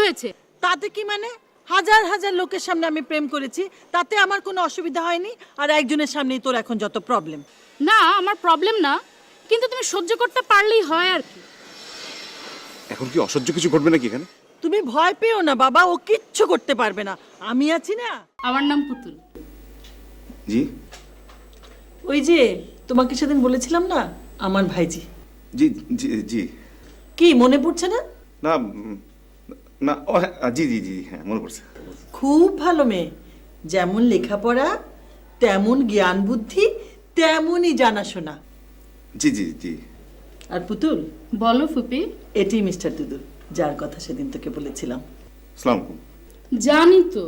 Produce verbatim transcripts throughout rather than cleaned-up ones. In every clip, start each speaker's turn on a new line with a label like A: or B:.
A: হয়েছে?
B: তাতে কি মানে? হাজার হাজার লোকের সামনে আমি প্রেম করেছি, তাতে আমার কোনো অসুবিধা হয়নি। আর একজনের সামনেই তোর এখন যত প্রবলেম।
A: না, আমার প্রবলেম না, কিন্তু তুমি সহ্য করতে পারলেই হয় আর কি।
C: এখন কি অসহ্য কিছু ঘটবে নাকি এখানে?
B: তুমি ভয় পেও না বাবা, ও কিচ্ছু করতে পারবে না, আমি আছি না।
A: আমার নাম পুতুল।
C: জি
B: ওই যে তোমাকে সেদিন বলেছিলাম না, আমার ভাইজি।
C: জি জি জি
B: কি মনে পড়ছে না?
C: না উম, না ও হ্যাঁ, জি জি জি হ্যাঁ মনে পড়ছে।
B: খুব ভালো মেয়ে, যেমন লেখাপড়া তেমন জ্ঞান বুদ্ধি তেমনই জানাশোনা।
C: জি জি জি
B: আর পুতুল,
A: বলো ফুপি।
B: এটি মিস্টার দুদু, যার কথা সেদিন তোকে বলেছিলাম।
C: আসসালামু আলাইকুম।
A: জানি তো।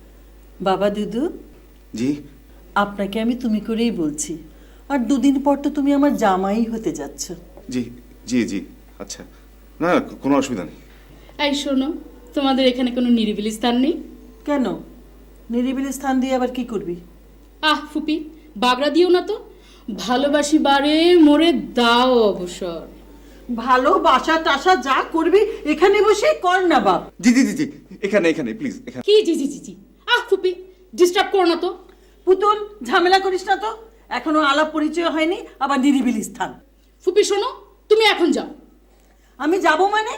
B: বাবা দুদু,
C: জি
B: আপনাকে আমি তুমি করেই বলছি। আর দুদিন পর তো তুমি আমার জামাই হতে যাচ্ছ।
C: জি জি জি আচ্ছা, না না, কোনো অসুবিধা নেই।
A: এই শোনো, তোমাদের এখানে কোনো নিরিবিলি স্থান নেই?
B: কেন? নিরিবিলি স্থান দিয়ে আবার কি করবি?
A: আহ ফুপি, বাগড়া দিও না তো। ভালোবাসি বারে মোরে দাও অবসর।
B: ভালোবাসা টাসা যা করবি এখানে বসে কর না বাপ।
C: জি জি জি জি এখানে এখানে প্লিজ এখানে।
A: কি জি জি জি জি? আহ ফুপি, ডিস্টার্ব করো না তো।
B: পুতুল, ঝামেলা করিস না তো, এখনো আলাপ পরিচয় হয়নি, আবার নিরিবিলি স্থান।
A: ফুপি শোনো, তুমি এখন যাও।
B: আমি যাব মানে?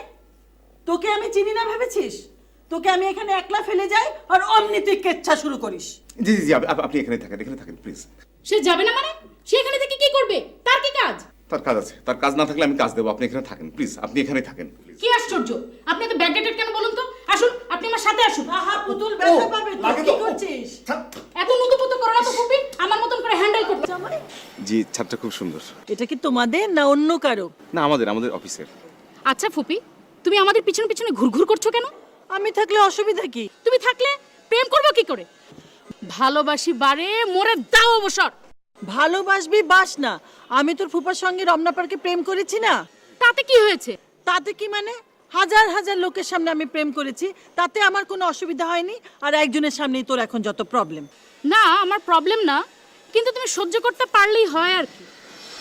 B: তোকে আমি চিনি না ভেবেছিস? তোকে আমি এখানে একলা ফেলে যাই আর অমনি তুই কেচ্ছা শুরু করিস।
C: জি জি জি আপ- আপ- আপনি এখানে থাকেন, এখানে থাকেন প্লিজ।
A: সে যাবে না মানে? সে এখানে থেকে কি করবে? তার কি কাজ?
C: তার কাজ আছে, তার কাজ না থাকলে আমি কাজ দেবো। আপনি এখানে থাকেন প্লিজ, আপনি এখানে থাকেন প্লিজ।
A: কি আশ্চর্য! আপনি তো ব্যাকডেটেড কেন বলুন তো? আসুন, আপনি আমার সাথে আসুন।
B: আহা পুতুল, ব্যথা পাবে তো,
C: লাগে
B: কি
C: তো।
B: করছিস?
A: এত নুতুপুতু করো না তো ফুপি, আমার মতন করে হ্যান্ডেল করতে।
B: জামাই,
C: জি ছাদটা খুব সুন্দর।
B: এটা কি তোমাদের না অন্য কারো?
C: না আমাদের আমাদের অফিসের।
A: আচ্ছা ফুপি, তুমি আমাদের পিছনে পিছনে ঘুরঘুর করছো কেন?
B: আমি থাকলে অসুবিধা কি?
A: তুমি থাকলে প্রেম করবো কি করে? ভালোবাসি বারে মোরে দাও অবসর।
B: ভালোবাসবি বাস না, আমি তোর ফুপার সঙ্গে রমনা পার্কে প্রেম করেছি না।
A: তাতে কি হয়েছে?
B: তাতে কি মানে? হাজার হাজার লোকের সামনে আমি প্রেম করেছি, তাতে আমার কোনো অসুবিধা হয়নি। আর একজনের সামনেই তোর এখন যত প্রবলেম।
A: না, আমার প্রবলেম না, কিন্তু তুমি সহ্য করতে পারলেই হয় আর কি।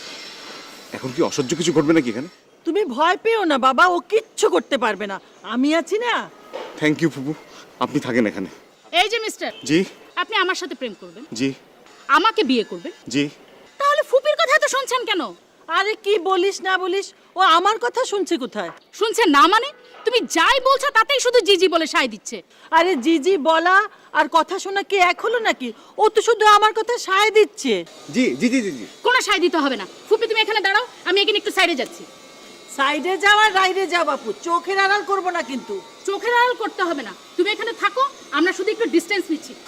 C: এখন কি অসহ্য কিছু ঘটবে নাকি এখানে?
B: তুমি ভয় পেও না বাবা, ও কিচ্ছু করতে পারবে না, আমি আছি না।
C: থ্যাংক ইউ ফুপু, আপনি থাকেন এখানে।
A: এই যে মিস্টার,
C: জি
A: আপনি আমার সাথে প্রেম করবেন,
C: জি
A: আমাকে বিয়ে করবেন,
C: জি
A: তাহলে ফুপির কথা তো শুনছেন কেন?
B: আরে কি বলিস না বলিস, ও আমার কথা শুনছে কোথায়?
A: শুনছেন না মানে? তুমি যাই বলছো তাতেই শুধু জিজি বলে সায় দিচ্ছে।
B: আরে জিজি বলা আর কথা শোনা কি এক হলো নাকি? ও তো শুধু আমার কথা সায় দিচ্ছে।
C: জি জি জি জি জি
A: কোনো সায় দিতে হবে না। ফুপি তুমি এখানে দাঁড়াও, আমি এখানে একটু সাইডে যাচ্ছি।
B: সাইডে যাও আর রাইডে যাও বাপু, চোখের আড়াল করবো না কিন্তু।
A: চোখের আড়াল করতে হবে না, তুমি এখানে থাকো, আমরা শুধু একটু ডিস্টেন্স নিচ্ছি।